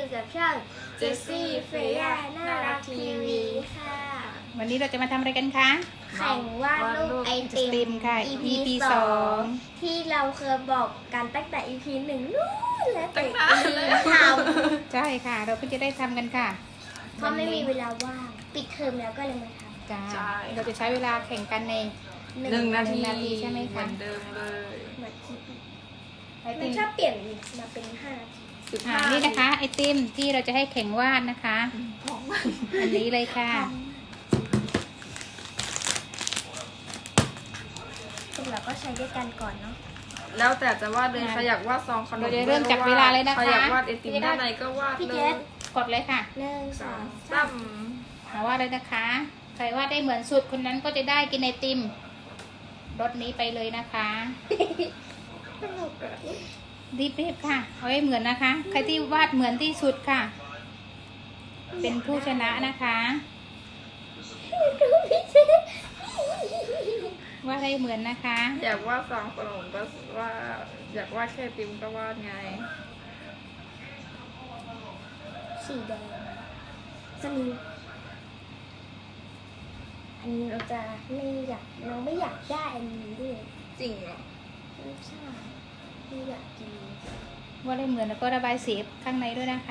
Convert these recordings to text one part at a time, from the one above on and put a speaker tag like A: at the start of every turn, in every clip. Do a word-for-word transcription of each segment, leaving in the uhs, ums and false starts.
A: อยู่กับช่องเจสซี่เฟย่าน่ารักทีวีค่ะ
B: วันนี้เราจะมาทำอะไรกันคะ
A: แข่งวาดรูปไอติม
B: ค่ะ
A: อี
B: อี พี
A: ส
B: ส
A: อ
B: อง ง
A: ที่เราเคยบอกกันตั้งแต่ อี พี หนึ่งนู่นแล้วแต่ทำ
B: ใช่ค่ะ เราเพิ่งจะได้ทำกันค่ะ
A: เพราะไม่มีเวลาว่างปิดเทอมแล้วก็เลยมาทำ
B: จ้าเราจะใช้เวลาแข่งกันใน
C: หนึ่งนาที
B: นาทีใช่ไหมคะ
C: เหมือนเดิมเลย
A: เหมือนที่
B: ไอ
A: มั
B: ติ
A: น
B: ม
A: ชอบเปลี่ยนมาเป็นห้านาที
C: สิบ
B: อ่า
C: ห้า
B: นี่นะคะไอติมที่เราจะให้แข่งวาดนะคะ
C: ของ
B: อันนี้เลยค่ะ
A: พวกเราก็ใช้ด้วยกันก่อนเนาะ
C: แล้วแต่จะวาดเลยใครอยากวาดซองขนม
B: เราจะเริ่มจากเวลาเลยนะคะ
C: ใครอยากวาดไอติมด้านในก็วาด
A: พี่
C: เล
A: เจ
C: ย
A: ส
B: กดเลยค่ะ
A: หนึ่งสองสา
C: ตั้
A: ม
C: ม
B: มาวาดเลยนะคะใครวาดได้เหมือนสุดคนนั้นก็จะได้กินไอติมรสนี้ไปเลยนะคะ
C: สนุกอะ
B: รีบๆค่ะเอาให้เหมือนนะคะ ใครที่วาดเหมือนที่สุดค่ะ เป็นผู้ชนะนะคะ
A: พี่เจส
B: วาดให้เหมือนนะคะ
C: อยากวาดซองขนมก็ว่าอยากวาดแค่ไอติมก็วาดไง
A: สีแดงจะมีอันนี้เราจะไม่อยากเราไม่อยากได้อันนี้ด้วย
C: จริงเหรอ
A: ไม่ใช่ไม่อยากกิน
B: วาดให้เหมือนแล้วก็ระบายสีข้างในด้วยนะคะ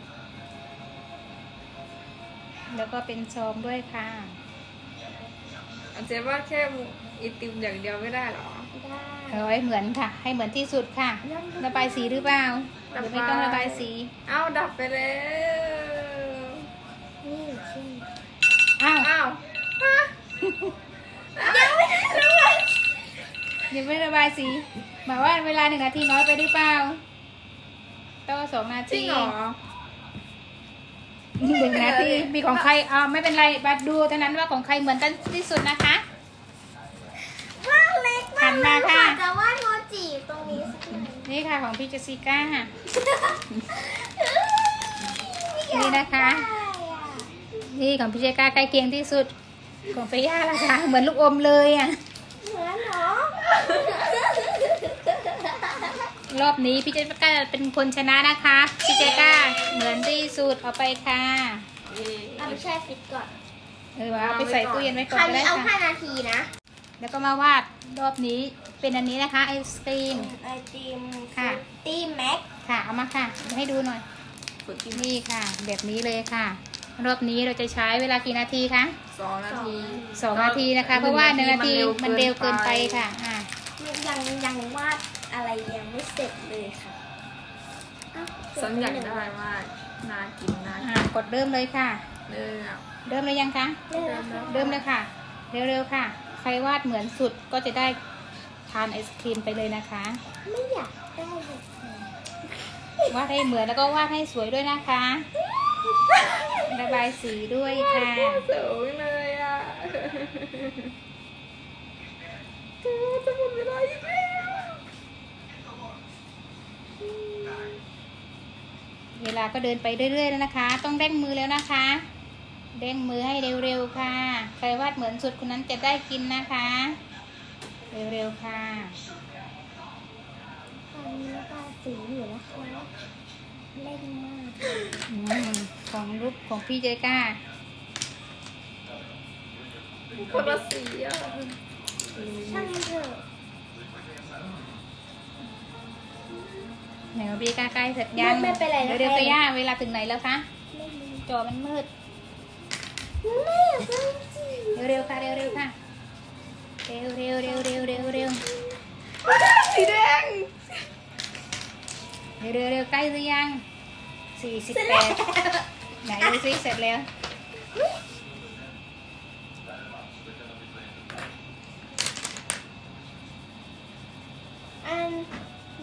B: แล้วก็เป็นซองด้วยค่ะ
C: อาจจะวาดแค่ไอติมอย่างเดียวไม่ได้เหรอ
A: ได้
B: เอาให้เหมือนค่ะ ให้เหมือนที่สุดค่ะ ระบายสีหรือเปล่าหรือไม่ต้องระบายสี
C: เอ้าดับไปแล้ว
A: นี่เช่น
B: อ้าว
C: อ้าว
A: ยังไม่ได้เลย
B: ยังไม่ระบายสีหมายว่าเวลาหนึ่งนาทีน้อยไปหรือเปล่าต้องสองนา
C: จริ
B: ที
C: งเหรอ
B: หนึ่งนาทีมีของใครอ่าไม่เป็นไรบัดดูเท่านั้นว่าของใครเหมือนกันที่สุดนะคะ
A: ว่างเล็ก
B: หั
A: มาก
B: น
A: เล
B: มาย ค่ะ
A: ค่ะจะวาดโมจิตรงนี้สักหน่อย
B: นี่ค่ะของพี่เจสสิก้านี่นะคะ นี่ของพี่เจสสิก้าใกล้เคียงที่สุดของพี่ย่าล่ะคะเหมือนลูกอมเลยอ่ะ
A: เหมือนเหรอ
B: รอบนี้พี่เจสสิก้าเป็นคนชนะนะคะพี่เจสสิก้าเหมือนที่สุดเอาไปค่ะ
A: เอาไปแช่ฟิตก่อน
B: เออเอาไปใส่ตู้เย็นไว้ก่
A: ค
B: อน
A: ราว
B: ก็
A: นี้
B: ได้
A: เอาห้า
B: ค่ะ
A: นาทีนะ
B: แล้วก็มาวาดรอบนี้เป็นอันนี้นะคะไอศครีม
A: ไอติม
B: ค่ะ
A: ตี้แม็ก
B: ค่ะเอามาค่ะให้ดูหน่อย
C: ฝึกกิน
B: นี่ค่ะ แบบนี้เลยค่ะ รอบนี้เราจะใช้เวลากี่นาทีคะ
C: สองนาที
B: สองนาทีนะคะ เพราะว่าหนึ่งนาทีมันเร็วเกินไปค่ะอ่า
A: ยังยังวาดอะไรยังไม่เสร็จเลยค่ะอ้าวเสร็จ
C: ฉันอยาก
A: ปหง
C: ได้มากน่ากินน่า
B: อ่ากดเริ่มเลยค่ะ
C: เนื้อ
B: เริ่มเลยยังคะ
A: เริ่มแล้วค่ะ
B: เริ่มเลยค่ะ เร็วๆค่ะ ใครวาดเหมือนสุดก็จะได้ทานไอศครีมไปเลยนะคะ
A: ไม่อยากได้เลย
B: วาดให้เหมือนแล้วก็วาดให้สวยด้วยนะคะ ระบายสีด้วยค่ะ
C: สูงเลยอ่ะเธอจะหมดเวลาอีกแล้ว
B: เวลาก็เดินไปเรื่อยๆแล้วนะคะ ต้องเร่งมือแล้วนะคะเร่งมือให้เร็วๆค่ะ ใครวาดเหมือนสุดคนนั้นจะได้กินนะคะ เร็วๆค่ะ
A: ตอนนี้ระบายสีอยู่นะคะเล่นมาก
B: อืมของรูปของพี่เจก้า
C: คนละสีอ่ะ
A: ช่างมันเถอะ
B: ไหนของพี่เจก้าใกล้เสร็จยัง
A: ไม่เป็นไรนะ
B: เร็วๆก็ย่าเวลาถึงไหนแล้วคะ
A: ไม่รู้
B: จอมันมืด
A: ไม่อยากได้สี
B: เร็วๆค่ะเร็วๆค่ะเร็วๆเร็วๆเร็วๆเร็วๆเร็วๆเร็ว
C: สีแดง
B: ๆเร็วๆเร็วๆใกล้หรือยังสี่สิบแปดไหนดูซิเสร็จแล้ว
A: อันนี้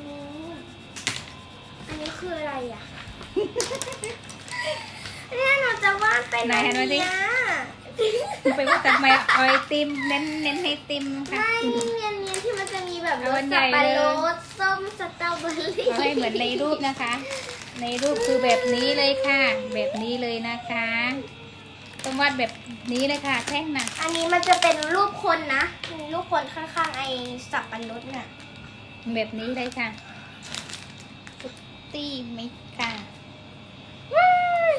A: อันนี้คืออะไรอ่ะ เนี่ยหนูจะวาดเป็น
B: ไหนหันมาดิ
A: อันเนี้ย
B: ไปว่าทำไมเอาไอติมเน้นเน้นให้ติมค่ะ
A: ไม่นี่เนียนเนียนๆที่มันจะมีแบบร
B: เอาอั
A: ส
B: นใหญ่
A: สับปะ
B: เลย
A: รดส้มสตรอเบอรี่
B: เอาให้เหมือนในรูปนะคะ ในรูปคือแบบนี้เลยค่ะ แบบนี้เลยนะคะต้องวาดแบบนี้เลยค่ะแท่งน่ะ
A: อันนี้มันจะเป็นรูปคนนะมีรูปคนข้างๆไอ้สับปะรดน่ะ
B: แบบนี้เลยค่ะฟุตตี้มิกค่ะ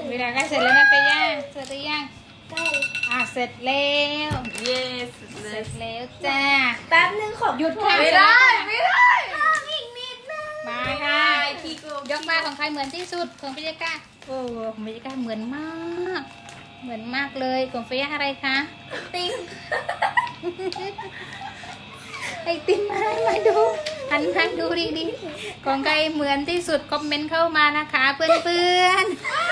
B: เวลาใกล้เสร็จแล้วนะเฟย่าเสร็จหรือยัง
A: ใกล้
B: อ่ะเสร็จแล้ว
C: เย้สุดเล
B: เสร็
C: ย
B: จแล้วจ้า
A: แป๊บนึงขอ
B: หยุดค่ะ
C: ไม่ได้ไม่ได้
A: เพิ่มอีกนิดนึง
B: มาค่ะ
C: ขี้โกง
B: ยกมาของใครเหมือนที่สุดของพิจิก้าโอ้ของพิจิก้าเหมือนมาก เหมือนมากเลยของเฟย่าอะไรคะ
A: ติง
B: ไอติมมามาดูหันมาดูดีดีๆของใครเหมือนที่สุดคอมเมนต์เข้ามานะคะเพื่อน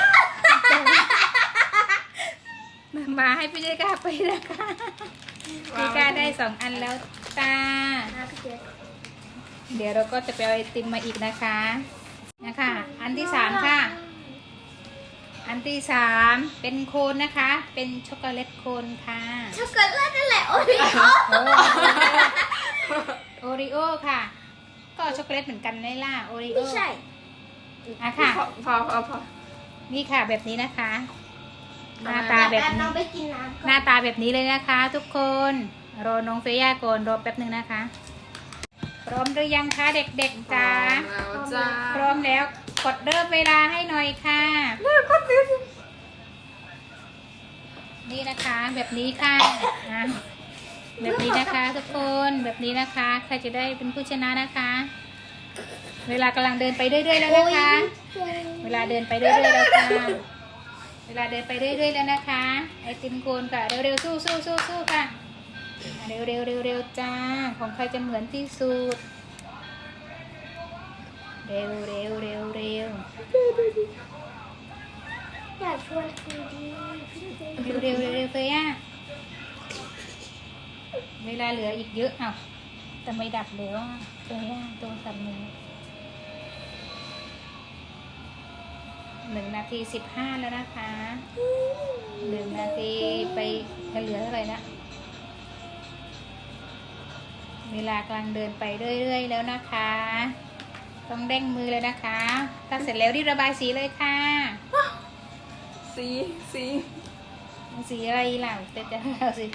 B: ๆมามาให้พี่เจก้าไปนะคะพี่ก้าได้สองอันแล้วตา
A: นะพี่เจ๊
B: เดี๋ยวเราก็จะไปเอาไอติมมาอีกนะคะนะคะอันที่สามค่ะ อันที่สามเป็นโคนนะคะ เป็นช็อกโกแลตโคนค่ะ
A: ช็อกโกแลตนั่นแหละโอริโอ
B: โอริโอค่ะ ก็ช็อกโกแลตเหมือนกันเลยล่ะโอริโอ
A: ไม่ใช่
B: อ่ะค่ะ
C: พอพอพอพอ
B: นี่ค่ะแบบนี้นะคะ หน้า
C: ทำไม
B: ตาแบบ
A: แป๊บน้
B: นี้
A: องไปกินน้ำ
B: ห
A: ก่อ
B: น้าน ตาแบบนี้เลยนะคะ ทุกคนรอน้องเฟย่าก่อนรอแป๊บหนึ่งนะคะ พร้อมหรือยังคะเด็กๆจ้า
C: แล้วจ้า
B: พร้อมแล้วกดเริ่มเวลาให้หน่อยค่ะ นี่นะคะแบบนี้ค่ะอ่ะแบบนี้นะคะทุกคนแบบนี้นะคะใครจะได้เป็นผู้ชนะนะคะ เวลากำลังเดินไปเรื่อยๆแล้วนะคะ เวลาเดินไปเรื่อยๆแล้วค่ะเวลาเดินไปเรื่อยๆแล้วนะคะไอติมโคนค่ะเร็วๆสู้สู้สู้สู้ค่ะอ่ะเร็วเร็วเร็วเร็วจ้าของใครจะเหมือนที่สุดเร็วเร็วเร็วเร็ว
A: อยากชวนคุยดีพี่เจ๊
B: เร็วเร็วเร็วเร็วเฟย่าเวลาเหลืออีกเยอะอ้าวแต่ไม่ดับแล้วอ่ะเฟย่าตัวสับมือหนึ่งนาทีสิบห้าแล้วนะคะหนึ่งนาทีไปเหลือเท่าไหร่ละเวลากำลังเดินไปเรื่อยๆแล้วนะคะ ต้องเด้งมือเลยนะคะถ้าเสร็จแล้วรีบระบายสีเลยค่ะ
C: สีสี
B: สีอะไรล่ะแต่จะเอาสิ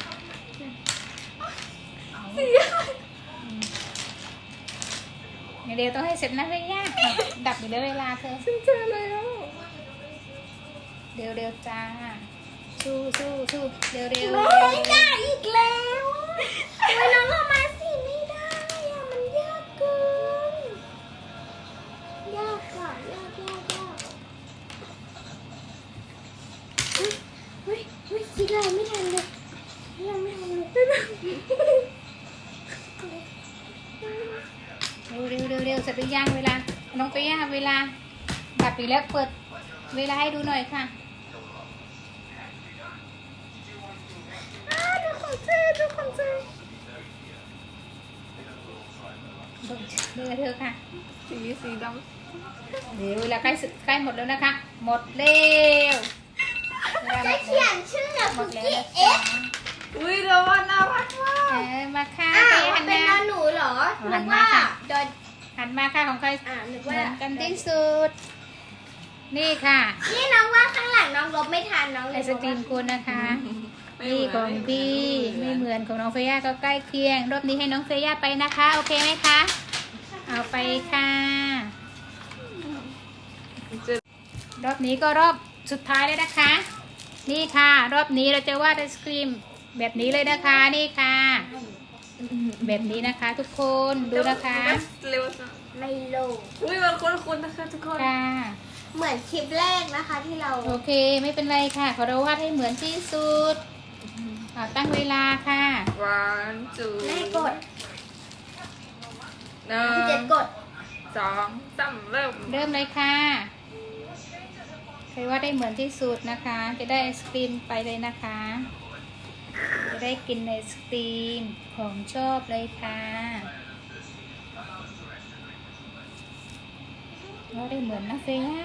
B: เดี๋ยวต้องให้เสร็จนะเฟย่าดับอยู่แล้วเวลาเธอ
C: ฉันเจอแล้ว
B: เร็วเร็วจ้า สู้สู้สู้เร็วเร็ว
A: ไม่ได้อีกแล้วทำไมน้องเอามาสิไม่ได้อะมันยากเกิน ยากค่ะยากยากยากเฮ้ยเฮ้ยเฮ้ยคิดอะไรไม่ทันเลยยังไม่ทันเลย
B: เร็วเร็วเร็วเร็วเสร็จหรือยังเวลา น้องเฟย่าเวลา ดับอีกแล้วเปิดเวลาให้ดูหน่อยค่ะ
C: อ้าวดูของเจดูของเจ
B: เร็วเธอค่ะ
C: สีสีด
B: เดี๋ยวเวลาใกล้สุดใกล้หมดแล้วนะคะ หมดเร็วเวลาหม
A: จะ
B: ด
A: เขียนชื่อ
B: หม
A: คุ
B: ด
A: ก
B: แล้ว
A: กี้
B: นะ
A: เอ๊ะ
B: จ๊ะ
C: ำอุ้ยเราว่าน่ารักมา
B: เอก อมาค่ะ
A: อ้า
B: เฟ
A: ว
B: ย่าหัน
A: เป็น
B: มา
A: นอนหนูเหรอ
B: เอา
A: นึ
B: หั
A: ก
B: นมา
A: ว่า
B: ค่ะ
A: โดน
B: หันมาค่ะของใคร
A: อ่านึก
B: เห
A: ว่า
B: มือนกันที่สุด นี่ค่ะ
A: นี่น้องว่าข้างหลังน้องลบไม่ทันน้องเล
B: ไอย ศกรีมคุณนะคะ
C: ไม่
B: นี่
C: เหมื
B: ของพี่ไม่เหมือนของน้องเฟย่าก็ใกล้เคียง รอบนี้ให้น้องเฟย่าไปนะคะ โอเคไหมคะ เอาไปค่ะ
C: เจอ
B: รอบนี้ก็รอบสุดท้ายเลยนะคะ นี่ค่ะ รอบนี้เราจะวาดไอศกรีมแบบนี้เลยนะคะ นี่ค่ะ แบบนี้นะคะ ทุกคนดูนะคะ
C: เร็วจัง
A: ไม่ลง
C: อุ้ยมันคุ้นๆนะคะทุกคน
B: ค่ะ
A: เหมือนคลิปแรกนะคะที่เรา
B: โอเคไม่เป็นไรค่ะขอเราวาดให้เหมือนที่สุดอ่าตั้งเวลาค่ะ
C: one two
A: แม่กด
C: หนึ่
A: พี่เจ็
C: ง
A: ดกด
C: สองสามเริ่ม
B: เริ่มเลยค่ะใครว่าได้เหมือนที่สุดนะคะ จะได้ไอศครีมไปเลยนะคะ จะได้กินไอศครีมของชอบเลยค่ะว่าได้เหมือนนะเฟย่า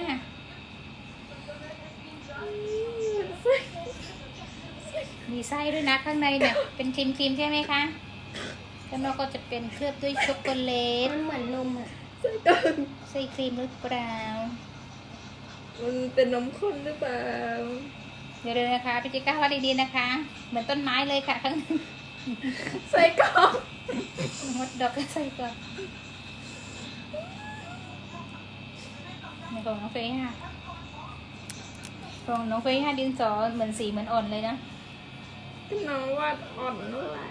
B: มีไส้ด้วยนะข้างในเนี่ยเป็นครีมครีมๆใช่ไหมคะข้างนอกก็จะเป็นเคลือบด้วยช็อกโกแลต
A: มันเหมือนนมอ่ะ
B: ไส้ครีมหรือเปล่า
C: มันเป็นนมข้นหรือเปล่า
B: เดี๋ยวๆนะคะพี่จิก้าว่าดีๆนะคะ เหมือนต้นไม้เลยค่ะข้างใน
C: ใส่กล่อง
B: มดดอกก็ใส่ก่อนในของน้องเฟย์ค่ะของน้องเฟย์ให้ดินสอเหมือนสีเหมือนอ่อนเลยนะ
C: น้องวาดอ่อนเมื่อไหร่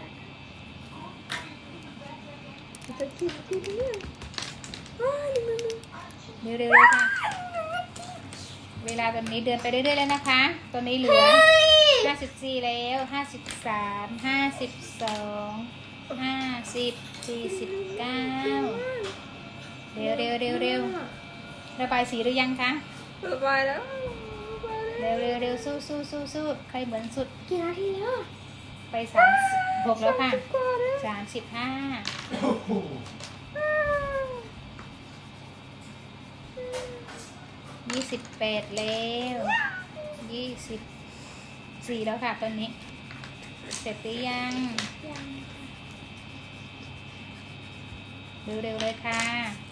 C: จะกินกินเนี่ยอ้าวนี่มัน
B: เร็วๆเลยค่ะ เวลาตอนนี้เดินไปเรื่อยๆแล้วนะคะ ตอนนี้เหลือห้าสิบสี่แล้วห้าสิบสามห้าสิบสองห้าสิบสี่สิบเก้าเร็วเร็วเร็วเร็วระบายสีหรือยังคะ
C: ระบายแล้ว
B: เร็วเร็วเร็วสู้สู้สู้สู้ใครเหมือนสุด
A: กี่นาทีแล้ว
B: ไปสามสิบหกแล้วค่ะสามสิบห้ายี่สิบแปดแล้วยี่สิบสี่แล้วค่ะตอนนี้ เสร็จหรือยัง
A: ยัง
B: เร็วๆเลยค่ะ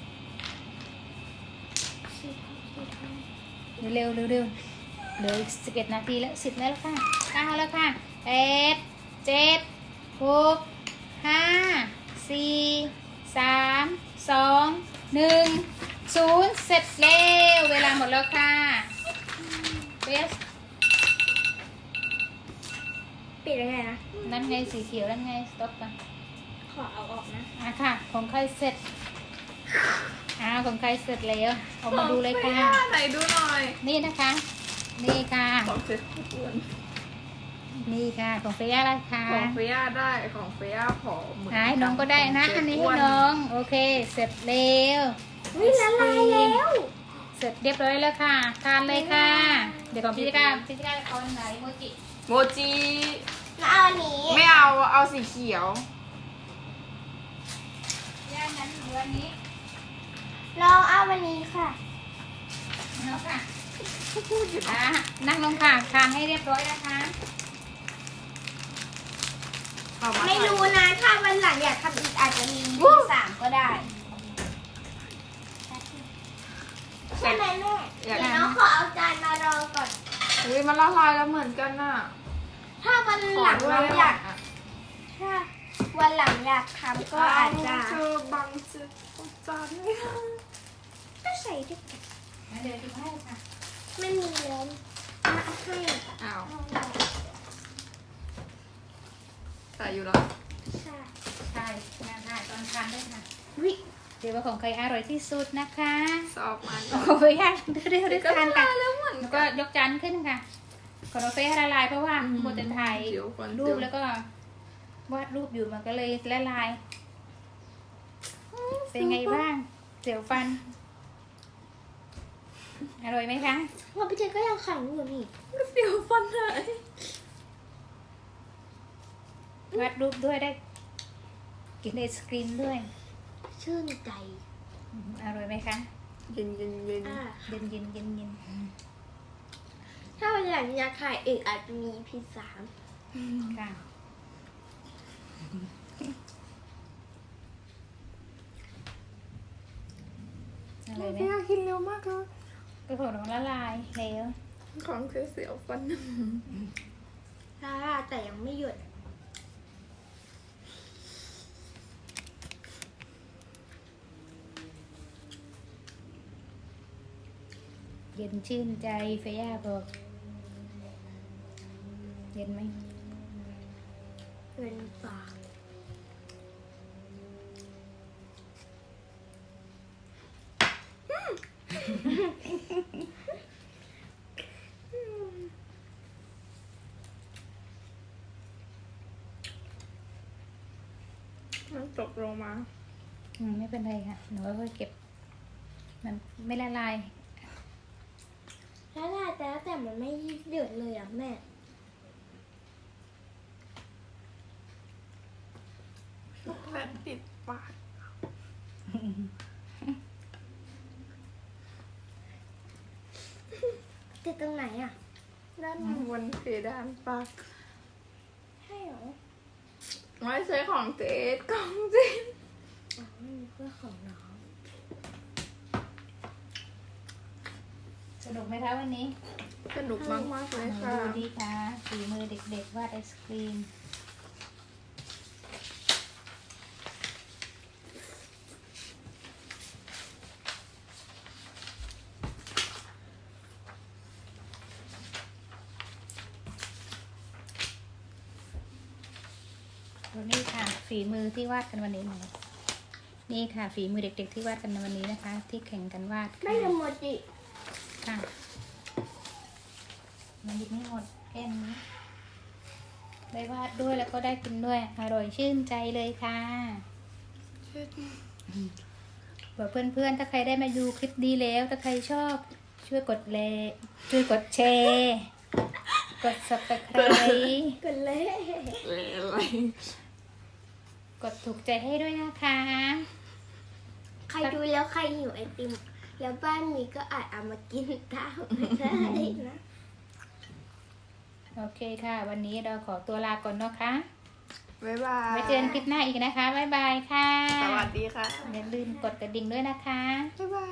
A: สิบสิบห้า
B: เร็วๆเร็วๆเหลืออีกสิบเอ็ดนาทีแล้วสิบแล้วค่ะเก้าแล้วค่ะแปดเจ็ดหกห้าสี่สามสองหนึ่งศูนย์เสร็จแล้วเวลาหมดแล้วค่ะเบส
A: ปิดยังไงนะ
B: นั่นไงสีเขียวนั่นไงสต็อปกัน
A: ขอเอาออกนะ
B: อ่ะค่ะของใครเสร็จอ่าของใครเสร็จแล้วออกมาดูเลยค่ะ
C: ไหนดูหน่อย
B: นี่นะคะ นี่ค่ะ
C: ของเฟย์อ้วน
B: นี่ค่ะของเฟียอะไรคะ
C: ของเฟียได้ของเฟียผอมเหมือน
B: หายน้องก็ได้นะ
C: ข
B: อัน
C: เฟ
B: นี้
C: ย์
B: ให้
C: อ้วน
B: น้อง โอเค เสร็จแล้ว
A: วิละลายแล้ว
B: เสร็จเรียบร้อยแล้วค่ะทานเลยค่ะ เดี๋ยวของพี่จิก้าพี่จิก้าเอาอันไหนโมจิ
C: โมจิ
A: แล้วเอาอันนี้
C: ไม่เอาเอาสีเขียว
B: ย่างนั้นเหลืออันนี้
A: ลองเอาอันนี้ค่ะ
B: เอาค่ะอ่ะนั่งลงค่ะทานให้เรียบร้อยนะคะ
C: เอามา
A: ไม่รู้นะ ถ้าวันหลังอยากทำอีกอาจจะมีที่สามก็ได้ใช่ไหมแม่เดี๋ยวน้องขอเอาจานมารองก่อน
C: อุ้ยมันละลายแล้วเหมือนกันน่ะ
A: ถ้าวันหลังเราอยาก ถ้าวันหลังอยากทำก็อาจจะ
C: เจอบังเจอจานไม่ได้
A: ก็ใส่ด้วย
B: เดี๋ยวดูให้ค่ะ
A: ไม่มีแล้วอ่ะให้
C: อ้าว
A: เอา
C: ใส่อยู่แล้ว
A: ใช่
B: ใช่งานได้ตอนทานด้วยค่ะ
A: วิ
B: เดี๋ยวว่าของใครอร่อยที่สุดนะคะ
C: สอบมา
B: โอ้ยค่ะเร็วๆด้วย
C: ก็
B: กัน
C: ละ
B: ค่ะ
C: ลายแล้วเหมือน
B: แล้ว
C: กั
B: ก็
C: น
B: ยกจานขึ้นค่ะขอเราเฟซละลายเพราะว่า
C: อืม
B: โมเดลถ่าย
C: เดี๋ยวก่อน
B: รู
C: เดี๋
B: ป
C: ยว
B: แล้วก็วาดรูปอยู่มันก็เลยละลาย เป็นไงบ้างเสียวฟัน อร่อยไหมคะ
A: ว่าพี่เจนก็ยังขังอยู่นี่
C: เสียวฟันหาย
B: วาดรูปด้วยได้ กินไอศกรีมด้วย
A: ชื่นใจ
B: อืมอร่อยไหมคะ
C: เย็นเย็นเย็น
A: อ่ะ
B: เย็นเย็นเย็นเย็น
A: ถ้าวันหลังอยากขายอีกอาจจะมีพีสาม
B: ค่ะอร่อยไหม
C: พี่อยากกินเร็วมากเลย
B: ก็ของน้องละลายแล้ว
C: ของเสียวฟัน
A: ลาแต่ยังไม่หยุด
B: เย็นชื่นใจเฟย่าบอกเย็นไหม
A: เป็นปาก
C: มันตกลงมา
B: อืมไม่เป็นไรค่ะหนูก็เก็บ มันไม่ละลาย
A: แล้วลาแต่แต่มันไม่หยุดเลยอ่ะแม่
C: แผ่นติดปาก
A: ติดตรงไหนอ่ะ
C: ด้านบนเพดานปาก
A: ให้เหรอ
C: ไม่ใช่ของเจ๊ของเจ๊
A: อ๋อนี่เพื่อของน้อง
B: สนุกไหมคะวันนี้
C: สนุกมากมากๆเลยค่ะ
B: ดูดีค่ะฝีมือเด็กๆวาดไอศครีมฝีมือที่วาดกันวันนี้หน่อยนี่ค่ะ ฝีมือเด็กๆที่วาดกันในวันนี้นะคะ ที่แข่งกันวาด
A: ไม่
B: ค่ะ
A: ทำโมจิ
B: ค่ะมันหยิบไม่หมดแค่นี้ได้วาดด้วยแล้วก็ได้กินด้วย อร่อยชื่นใจเลยค่ะบอกเพื่อนๆถ้าใครได้มาดูคลิปนี้แล้ว ถ้าใครชอบช่วยกดเลช่วยกดแชร์กด ซับสไครบ์
A: กันเลย
C: อะไร
B: กดถูกใจให้ด้วยนะคะ
A: ใครดูแล้วใครหิวไอติม แล้วบ้านมีก็อาจเอามากินตามได้นะ
B: โอเคค่ะ วันนี้เราขอตัวลาก่อนเนาะค่ะ
C: บ๊ายบาย
B: ไว้เจอกันคลิปหน้าอีกนะคะ บ๊ายบายค่ะ
C: สวัสดีค่ะ
B: อย่าลืมกดกระดิ่งด้วยนะคะ
C: บ๊ายบาย